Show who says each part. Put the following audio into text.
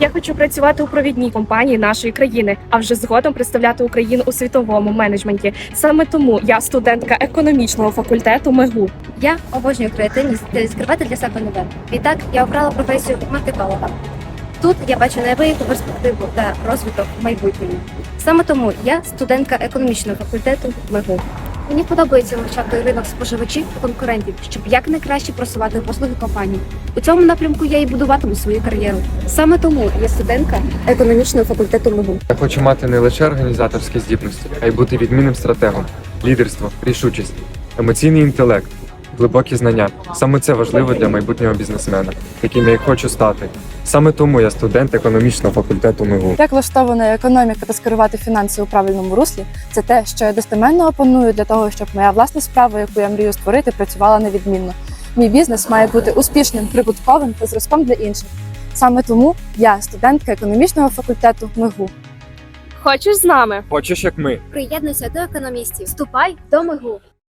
Speaker 1: Я хочу працювати у провідній компанії нашої країни, а вже згодом представляти Україну у світовому менеджменті. Саме тому я студентка економічного факультету МЕГУ.
Speaker 2: Я обожнюю креативність та відкривати для себе нове. Відтак я обрала професію маркетолога. Тут я бачу неабияку перспективу та розвиток в майбутньому. Саме тому я студентка економічного факультету МЕГУ. Мені подобається вивчати ринок споживачів та конкурентів, щоб якнайкраще просувати послуги компанії. У цьому напрямку я і будуватиму свою кар'єру. Саме тому я студентка економічного факультету МЕГУ.
Speaker 3: Я хочу мати не лише організаторські здібності, а й бути відмінним стратегом, лідерство, рішучість, емоційний інтелект, глибокі знання. Саме це важливо для майбутнього бізнесмена, яким я й хочу стати. Саме тому я студент економічного факультету МЕГУ.
Speaker 4: Як влаштована економіка та скерувати фінанси у правильному руслі – це те, що я достеменно опаную для того, щоб моя власна справа, яку я мрію створити, працювала невідмінно. Мій бізнес має бути успішним, прибутковим та зразком для інших. Саме тому я студентка економічного факультету МЕГУ.
Speaker 1: Хочеш з нами?
Speaker 3: Хочеш, як ми?
Speaker 2: Приєднуйся до економістів. Вступай до МЕГУ.